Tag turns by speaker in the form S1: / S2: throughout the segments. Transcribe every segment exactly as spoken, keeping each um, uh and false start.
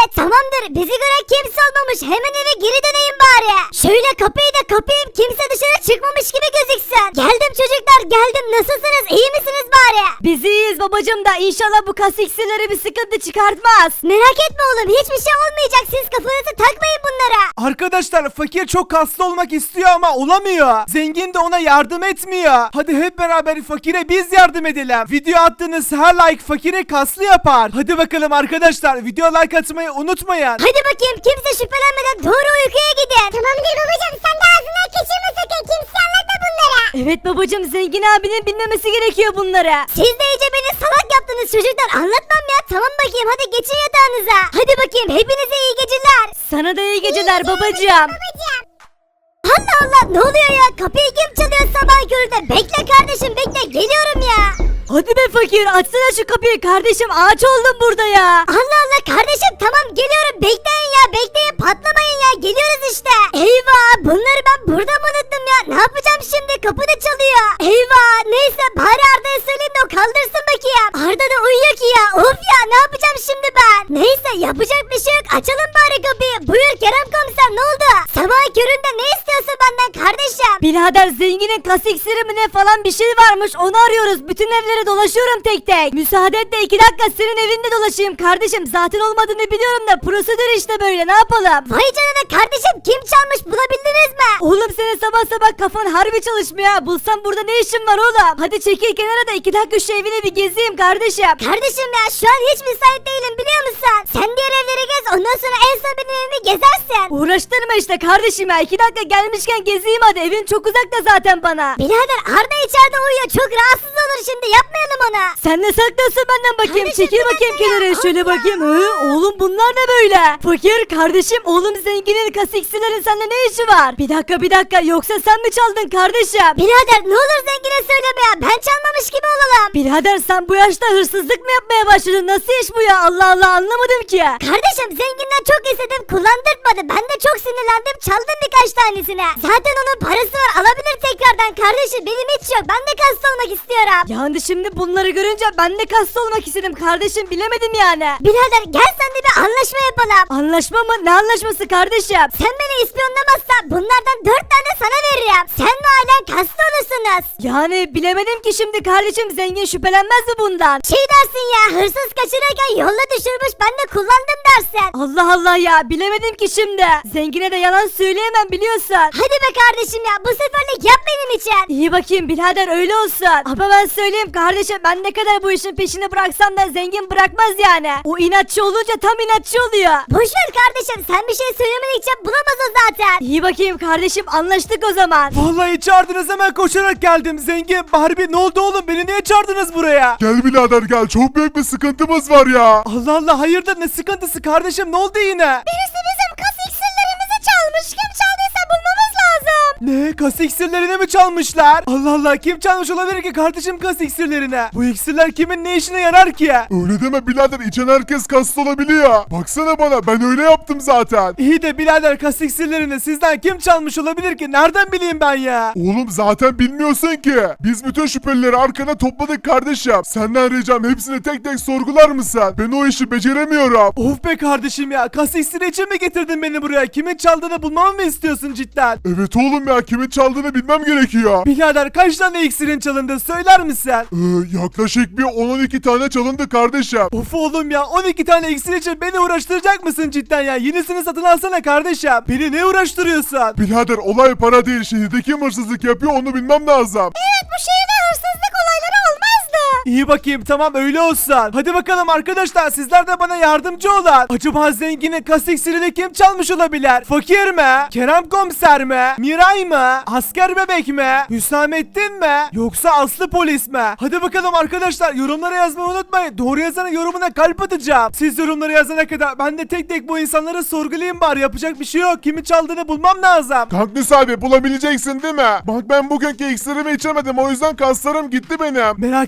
S1: tamamdır. Bizi gören kimse olmamış. Hemen eve geri döneyim bari. Şöyle kapıyı da kapayım. Kimse dışarı çıkmamış gibi gözüksün. Geldim çocuklar geldim. Nasılsınız? İyi misiniz bari?
S2: Biz iyiyiz babacım da inşallah bu kas iksirleri bir sıkıntı çıkartmaz.
S1: Merak etme oğlum. Hiçbir şey olmayacak. Siz kafanızı takmayın bunlara.
S3: Arkadaşlar fakir çok kaslı olmak istiyor ama olamıyor. Zengin de ona yardım etmiyor. Hadi hep beraber fakire biz yardım edelim. Video attığınız her like fakire kaslı yapar. Hadi bakalım arkadaşlar video like atmayı unutmayın.
S1: Hadi bakayım kimse şüphelenmeden doğru uykuya gidin. Tamamdır babacığım sen de ağzından kaçırma sakın. Kimse anlatma bunlara.
S2: Evet babacım zengin abinin bilmemesi gerekiyor bunları.
S1: Siz de iyice beni salak yaptınız çocuklar. Anlatmam ya. Tamam bakayım hadi geçin yatağınıza. Hadi bakayım hepinize iyi geceler.
S2: Sana da iyi geceler babacım.
S1: Allah Allah ne oluyor ya? Kapıyı kim çalıyor sabah köründe? Bekle kardeşim bekle geliyorum ya.
S2: Hadi be fakir açsana şu kapıyı kardeşim ağaç oldum burada ya.
S1: Allah Allah kardeşim tamam geliyorum bekleyin ya bekleyin patlamayın ya geliyoruz işte. Eyvah bunları ben burada mı unuttum ya ne yapacağım şimdi kapı da çalıyor. Eyvah neyse bari Arda'ya söyleyeyim de o kaldırsın bakayım. Arda da uyuyor ki ya of ya ne yapacağım şimdi ben. Neyse yapacak bir şey yok açalım bari kapıyı. Buyur Kerem komiser ne oldu? Sabah köründe ne istiyorsun benden kardeşim?
S2: Birader zenginin kas iksiri mi ne falan bir şey varmış onu arıyoruz. Bütün evleri dolaşıyorum tek tek. Müsaade et de iki dakika senin evinde dolaşayım kardeşim. Zaten olmadığını biliyorum da prosedür işte böyle ne yapalım?
S1: Vay canına kardeşim kim çalmış bulabildiniz mi?
S2: Oğlum senin sabah sabah kafan harbi çalışmıyor ha. Bulsam burada ne işin var oğlum? Hadi çekil kenara da iki dakika şu evine bir gezeyim kardeşim.
S1: Kardeşim ya şu an hiç müsait değilim biliyor musun? Sen diğer evleri gez ondan sonra en son benim evimi gezersin.
S2: Uğraştırma işte kardeşim ya. iki dakika gelmişken gezeyim hadi. Evin çok uzakta zaten bana.
S1: Birader Arda içeride uyuyor çok rahatsız olur şimdi yapmayalım ona.
S2: Sen ne saklıyorsun benden bakayım?
S1: Kardeşim,
S2: Çekil
S1: bir
S2: bakayım
S1: dakika ya.
S2: kenara.
S1: Of
S2: Şöyle
S1: ya.
S2: bakayım. Hı? Oğlum bunlar ne böyle? Fakir kardeşim oğlum zenginin kas iksirlerin seninle ne işi var? Bir dakika bir dakika yoksa sen mi çaldın kardeşim?
S1: Birader ne olur zengine söyleme ya ben çalmamış gibi olalım.
S2: Birader sen bu yaşta hırsızlık mı yapmaya başladın? Nasıl iş bu ya? Allah Allah anlamadım ki.
S1: Kardeşim zenginden çok istedim kullandırtmadı ben de çok sinirlendim çaldım birkaç tanesine. Zaten onun parası var alabilir tekrardan kardeşim benim hiç yok ben de kaslı olmak istiyorum.
S2: Yani şimdi bunları görünce ben de kaslı olmak istedim kardeşim bilemedim yani.
S1: Birader gel sen de bir anlaşma yapalım.
S2: Anlaşma mı? Ne anlaşması kardeşim?
S1: Sen beni ispiyonlamazsan bunlardan dört tane sana veririm. Sen ve ailen kaslı olursunuz.
S2: Yani bilemedim ki şimdi kardeşim zengin şüphelenmez mi bundan?
S1: Şey dersin ya hırsız kaçırırken yolda düşürmüş ben de kullandım dersin.
S2: Allah Allah ya bilemedim ki şimdi. Zengine de yalan söyleyemem biliyorsun.
S1: Hadi be kardeşim ya bu seferlik yap benim için.
S2: İyi bakayım birader öyle olsun. Ama ben söyleyeyim kardeşim ben ne kadar bu işin peşini bıraksam da zengin bırakmaz yani. O inatçı olunca tam inatçı oluyor.
S1: Boşver kardeşim sen bir şey söylemedikçe bulamaz o zaten.
S2: İyi bakayım kardeşim anlaştık o zaman.
S3: Vallahi çağırdınız hemen koşarak geldim. Zengin Barbie ne oldu oğlum beni niye çağırdınız buraya?
S4: Gel birader gel çok büyük bir sıkıntımız var ya.
S3: Allah Allah hayırdır ne sıkıntısı kardeşim ne oldu yine?
S1: Birisi bizim kas iksirlerimizi çalmış. Kim çaldıysa bulmamız lazım.
S3: Ne kas iksirlerini mi çalmışlar? Allah Allah kim çalmış olabilir ki kardeşim kas iksirlerini? Bu iksirler kimin ne işine yarar ki?
S4: Öyle deme birader içen herkes kaslı olabiliyor. Baksana bana ben öyle yaptım zaten.
S3: İyi de birader kas iksirlerini sizden kim çalmış olabilir ki? Nereden bileyim ben ya?
S4: Oğlum zaten bilmiyorsun ki. Biz bütün şüphelileri arkana topladık kardeşim. Senden ricam hepsini tek tek sorgular mısın? Ben o işi beceremiyorum.
S3: Of be kardeşim ya kas iksiri için mi getirdin beni buraya? Kimin çaldığını bulmamı mı istiyorsun cidden?
S4: Evet oğlum ya kimin çaldığını bilmem gerekiyor.
S3: Birader kaç tane iksirin çalındı söyler misin?
S4: Ee, yaklaşık bir on on iki tane çalındı kardeşim.
S3: Of oğlum ya on iki tane iksir için beni uğraştıracak mısın cidden ya? Yenisini satın alsana kardeşim. Beni ne uğraştırıyorsun?
S4: Birader olay para değil şehirde kim hırsızlık yapıyor onu bilmem lazım.
S1: Evet bu şehirde hırsızlık olayları olmazdı.
S3: İyi bakayım tamam öyle olsun. Hadi bakalım arkadaşlar sizler de bana yardımcı olun. Acaba zenginin kas iksirini kim çalmış olabilir? Fakir mi? Kerem komiser mi? Miray mı? Asker bebek mi? Hüsamettin mi? Yoksa Aslı polis mi? Hadi bakalım arkadaşlar yorumlara yazmayı unutmayın. Doğru yazanın yorumuna kalp atacağım. Siz yorumları yazana kadar ben de tek tek bu insanları sorgulayayım bari. Yapacak bir şey yok. Kimi çaldığını bulmam lazım.
S4: Kaktüs abi bulabileceksin değil mi? Bak ben bugünkü iksirimi içemedim o yüzden kaslarım gitti benim.
S3: Merak etme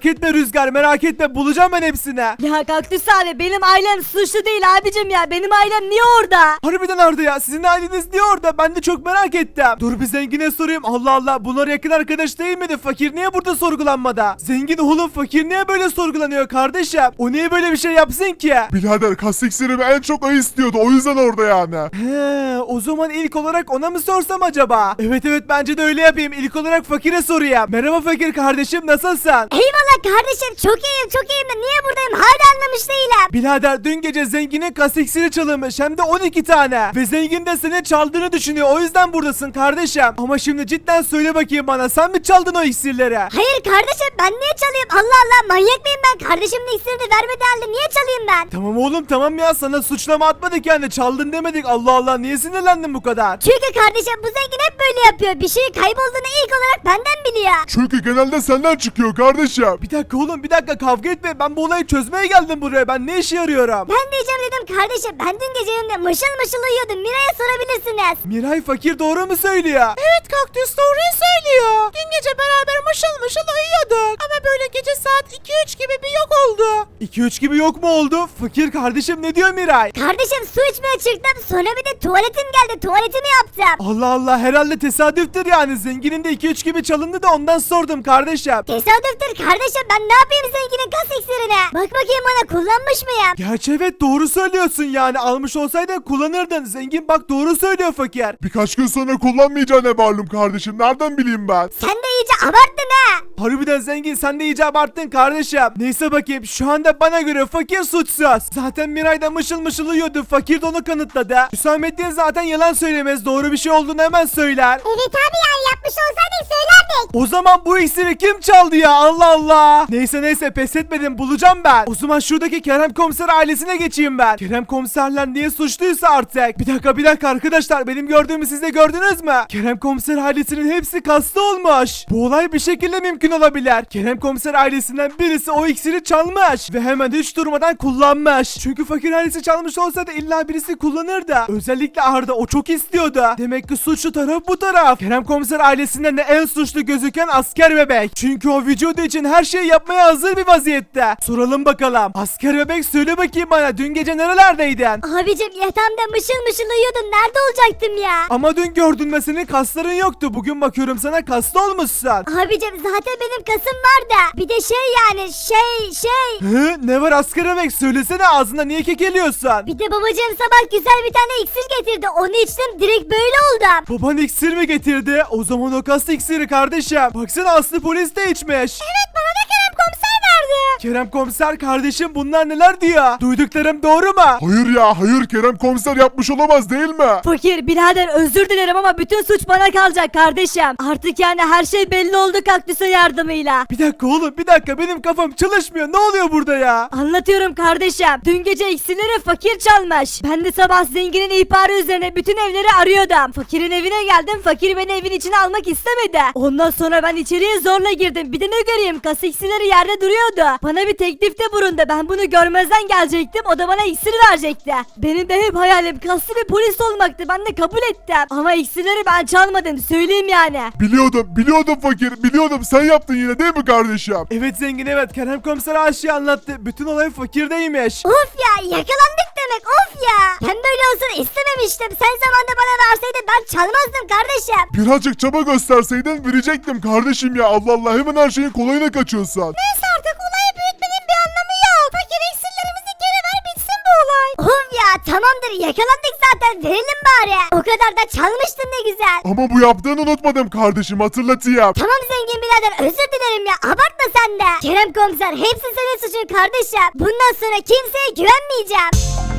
S3: Rüzgar, merak etme, bulacağım ben hepsini.
S2: Ya Kaktüs abi benim ailem suçlu değil abicim ya. Benim ailem niye orada?
S3: Harbiden Arda ya, sizin aileniz niye orada? Ben de çok merak ettim. Dur bir zengine sorayım. Allah Allah, bunlar yakın arkadaş değil miydi? Fakir niye burada sorgulanmada? Zengin oğlum, fakir niye böyle sorgulanıyor kardeşim? O niye böyle bir şey yapsın ki?
S4: Birader kas iksirimi en çok o istiyordu, o yüzden orada yani.
S3: He, o zaman ilk olarak ona mı sorsam acaba? Evet evet, bence de öyle yapayım. İlk olarak fakire sorayım. Merhaba fakir kardeşim, nasılsın?
S1: Eyvallah kardeşim, çok iyiyim çok iyiyim de niye buradayım hala anlamış değilim.
S3: Birader, dün gece zenginin kas iksiri çalınmış, hem de on iki tane. Ve zengin de senin çaldığını düşünüyor, o yüzden buradasın kardeşim. Ama şimdi cidden söyle bakayım bana, sen mi çaldın o iksirleri?
S1: Hayır kardeşim, ben niye çalayım? Allah Allah, manyak mıyım ben? Kardeşimin iksirini vermedi halde niye çalayım ben?
S3: Tamam oğlum tamam ya, sana suçlama atmadık yani, çaldın demedik. Allah Allah, niye sinirlendin bu kadar?
S1: Çünkü kardeşim bu zengin hep böyle yapıyor. Bir şeyin kaybolduğunu ilk olarak benden biliyor.
S4: Çünkü genelde senden çıkıyor kardeşim.
S3: Bir dakika oğlum, bir dakika, kavga etme, ben bu olayı çözmeye geldim buraya. Ben ne işe yarıyorum?
S1: Ben diyeceğim dedim kardeşim, ben dün gece evimde mışıl mışıl uyuyordum. Miray'a sorabilirsiniz.
S3: Miray, fakir doğru mu söylüyor?
S5: Evet Kaktüs doğruyu söylüyor. Dün gece beraber mışıl mışıl uyuyorduk. Ama böyle gece saat iki üç gibi bir yok oldu.
S3: iki üç gibi yok mu oldu? Fakir kardeşim, ne diyor Miray?
S1: Kardeşim su içmeye çıktım, sonra bir de tuvaletim geldi, tuvaletimi yaptım.
S3: Allah Allah, herhalde tesadüftür yani. Zenginin de iki üç gibi çalındı da ondan sordum kardeşim.
S1: Tesadüftür kardeşim, ben ne yapayım zenginin kas iksirini? Bak bakayım bana, kullanmış mıyım?
S3: Gerçi evet, doğru söylüyorsun yani. Almış olsaydın kullanırdın. Zengin bak, doğru söylüyor fakir.
S4: Birkaç gün sonra kullanmayacağını malum kardeşim, nereden bileyim ben?
S1: Sen de iyice abarttın ha.
S3: Harbiden zengin, sen de iyice abarttın kardeşim. Neyse bakayım, şu anda bana göre fakir suçsuz. Zaten Miray da mışıl mışıl uyuyordu. Fakir de onu kanıtladı. Hüsamettin zaten yalan söylemez. Doğru bir şey olduğunu hemen söyler.
S1: Evet abi, yani yapmış olsaydık söylerdik.
S3: O zaman bu iksiri kim çaldı ya? Allah Allah. Neyse neyse, pes etmedim, bulacağım ben. O zaman şuradaki Kerem Komiser ailesine geçeyim ben. Kerem Komiserler niye suçluysa artık. Bir dakika bir dakika arkadaşlar, benim gördüğümü siz de gördünüz mü? Kerem Komiser ailesinin hepsi kaslı olmuş. Bu olay bir şekilde mümkün olabilir. Kerem Komiser ailesinden birisi o iksiri çalmış ve hemen hiç durmadan kullanmış. Çünkü fakir ailesi çalmış olsa da illa birisi kullanırdı. Özellikle Arda, o çok istiyordu. Demek ki suçlu taraf bu taraf. Kerem Komiser ailesinden de en suçlu gözüken asker bebek. Çünkü o vücudu için her şeyi yapmaya hazır bir vaziyette. Soralım bakalım. Asker bebek, söyle bakayım bana, dün gece nerelerdeydin?
S1: Abicim yatağımda mışıl mışıl uyuyordum, nerede olacaktım ya?
S3: Ama dün gördün ve senin kasların yoktu. Bugün bakıyorum sana kaslı olmuşsun.
S1: Abicim zaten benim kasım var da. Bir de şey yani şey şey.
S3: Hı? Ne var asker bebek? Söylesene, ağzında niye kekeliyorsun?
S1: Bir de babacığım sabah güzel bir tane iksir getirdi. Onu içtim, direkt böyle oldum.
S3: Baban iksir mi getirdi? O zaman o kas iksiri kardeşim. Baksana, Aslı polis de içmiş.
S1: Evet, bana da Kerem komiser verdi.
S3: Kerem Komiser kardeşim, bunlar neler diyor? Duyduklarım doğru mu?
S4: Hayır ya, hayır, Kerem komiser yapmış olamaz değil mi?
S2: Fakir birader özür dilerim ama bütün suç bana kalacak kardeşim. Artık yani her şey belli oldu Kaktüs'ün yardımıyla.
S3: Bir dakika oğlum, bir dakika, benim kafam çalışmıyor. Ne oluyor burada ya?
S2: Anlatıyorum kardeşim. Dün gece iksirleri fakir çalmış. Ben de sabah zenginin ihbarı üzerine bütün evleri arıyordum. Fakirin evine geldim. Fakir beni evin içine almak istemedi. Ondan sonra ben içeriye zorla girdim. Bir de ne göreyim, kas iksirleri yerde duruyordu. Bana bir teklifte bulundu. Ben bunu görmezden gelecektim. O da bana iksir verecekti. Benim de hep hayalim kaslı bir polis olmaktı. Ben de kabul ettim. Ama iksirleri ben çalmadım. Söyleyeyim yani.
S4: Biliyordum, biliyordum fakir, biliyordum, sen yaptın yine değil mi kardeşim?
S3: Evet zengin, evet. Kerem Komiser her şeyi anlattı. Bütün olay fakirdeymiş.
S1: Of ya, yakalandık demek, of ya. Ben böyle olsun istememiştim. Sen zamanında bana verseydin ben çalmazdım kardeşim.
S4: Birazcık çaba gösterseydin verecektim kardeşim ya, Allah Allah, hemen her şeyin kolayına kaçıyorsun.
S1: Neyse artık olayı büyütmenin bir anlamı yok. Fakir iksirlerimizi geri ver, bitsin bu olay. Of ya, tamamdır, yakalandık zaten, verelim bari. O kadar da çalmıştın ne güzel.
S4: Ama bu yaptığını unutmadım kardeşim, hatırlatayım.
S1: Tamam zengin birader, özür dilerim ya, abartma sen de. Kerem komiser, hepsi senin suçun kardeşim. Bundan sonra kimseye güvenmeyeceğim.